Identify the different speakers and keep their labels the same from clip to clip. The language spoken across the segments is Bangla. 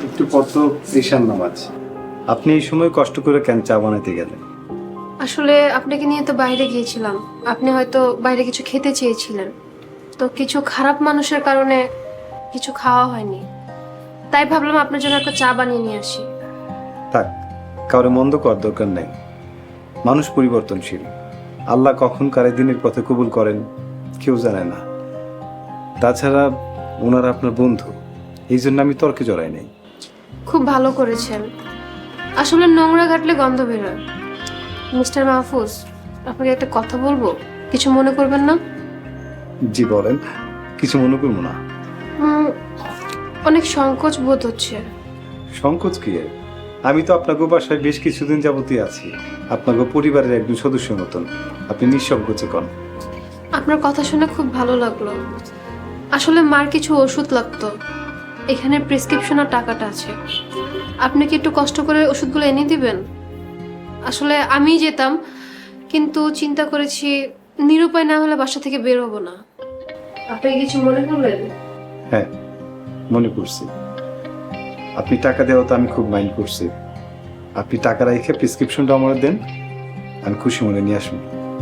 Speaker 1: একটু পর তো ঈশান নামাজ। আপনি এই সময় কষ্ট করে কেন চা বানাতে গেলেন?
Speaker 2: আসলে আপনাকে নিয়ে তো বাইরে গিয়েছিলাম, আপনি হয়তো বাইরে কিছু খেতে চেয়েছিলেন, তো কিছু খারাপ মানুষের কারণে কিছু খাওয়া হয়নি, তাই ভাবলাম আপনার জন্য একটা চা বানিয়ে নিয়ে আসি।
Speaker 1: থাক, কারো মন্দ করার দরকার নেই। মানুষ পরিবর্তনশীল, আল্লাহ কখন কারে দিনের পথে কবুল করেন কেউ জানে না। তাছাড়া ওনারা আপনার বন্ধু, এই জন্য আমি তর্কে জড়াই নাই।
Speaker 2: খুব ভালো করেছেন। আসলে নোংরা ঘাটলে গন্ধ বেরোয়। মিস্টার মাহফুজ, আপনাকে একটা কথা বলবো, কিছু মনে করবেন না?
Speaker 1: জি বলেন, কিছু মনে করবো না।
Speaker 2: উম, অনেক সংকোচ বোধ হচ্ছে।
Speaker 1: সংকোচ কি এর? আমি তো আপনাকে বাসায় বেশ কিছুদিন যাবতীয় আছি, আপনাকে পরিবারের একজন সদস্যের মতন। আপনি নিঃসংকোচে কন।
Speaker 2: আপনার কথা শুনে খুব ভালো লাগলো। আসলে মার কিছু ওষুধ লাগতো, এখানে প্রেসক্রিপশন আর টাকাটা আছে। আপনি কি একটু কষ্ট করে ওষুধগুলো এনে দিবেন? আসলে আমিই যেতাম, কিন্তু চিন্তা করেছি নিরুপায় না হলে বাসা থেকে বের হবো না। আপনি কিছু মনে করলেন?
Speaker 1: হ্যাঁ, মনে করছি। আপনি টাকা দেওয়া তো আমি খুব মাইন্ড করছি। আপনি টাকা রেখে প্রেসক্রিপশনটা আমার দেন, আমি খুশি মনে নিয়ে আসবো।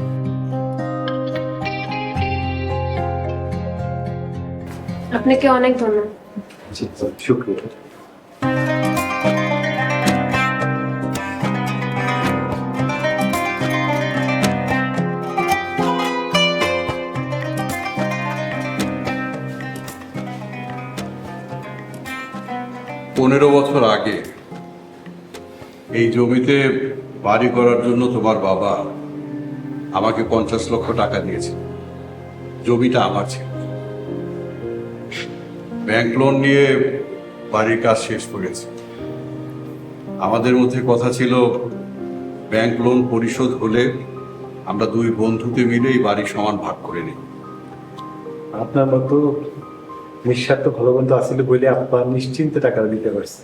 Speaker 2: আপনাকে অনেক ধন্যবাদ।
Speaker 1: জি, শুক্রিয়া।
Speaker 3: পনেরো বছর আগে এই জমিতে বাড়ি করার জন্য তোমার বাবা আমাকে 50 লক্ষ টাকা দিয়েছে। জমিটা আমার ছিল। ব্যাংক লোন নিয়ে বাড়ির কাজ শেষ করেছি। আমাদের মধ্যে কথা ছিল, ব্যাংক লোন পরিশোধ হলে আমরা দুই বন্ধুতে মিলে এই বাড়ি সমান ভাগ করে নিই।
Speaker 1: আপনার মতো নিঃস্বার্থ ভালো বন্ধু আসিল বলে আপনার নিশ্চিন্তে টাকা দিতে পারছে।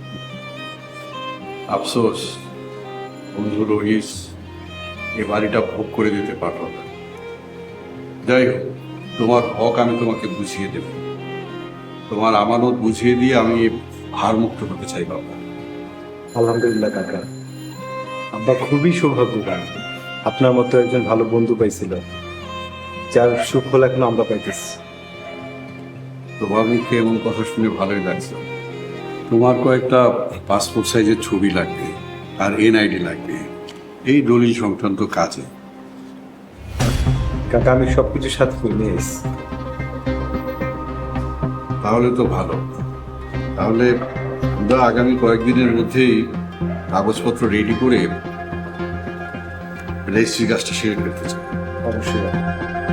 Speaker 3: আফসোস, বন্ধু রহিস এ বাড়িটা ভোগ করে দিতে পারল না। যাই হোক, তোমার হক আমি তোমাকে বুঝিয়ে দেব। তোমার আমানত বুঝিয়ে দিয়ে আমি ভারমুক্ত হতে চাই বাবা।
Speaker 1: আলহামদুলিল্লাহ কাকা, আব্বা খুবই সৌভাগ্যবান আপনার মতো একজন ভালো বন্ধু পাইছিল, যার সুফল এখন আমরা পাইতেছি।
Speaker 3: তোমার মুখে এমন কথা শুনে ভালোই লাগছে। তোমার কয়েকটা পাসপোর্ট সাইজের ছবি লাগবে আর এনআইডি লাগবে এই দলিল সংক্রান্ত কাজে।
Speaker 1: কাকা, আমি সবকিছু সাথে করে নিয়ে এসেছি।
Speaker 3: তাহলে তো ভালো। তাহলে আমরা আগামী কয়েকদিনের মধ্যেই কাগজপত্র রেডি করে রেজিস্ট্রি কাজটা সেরে ফেলতে চাই।
Speaker 1: অবশ্যই।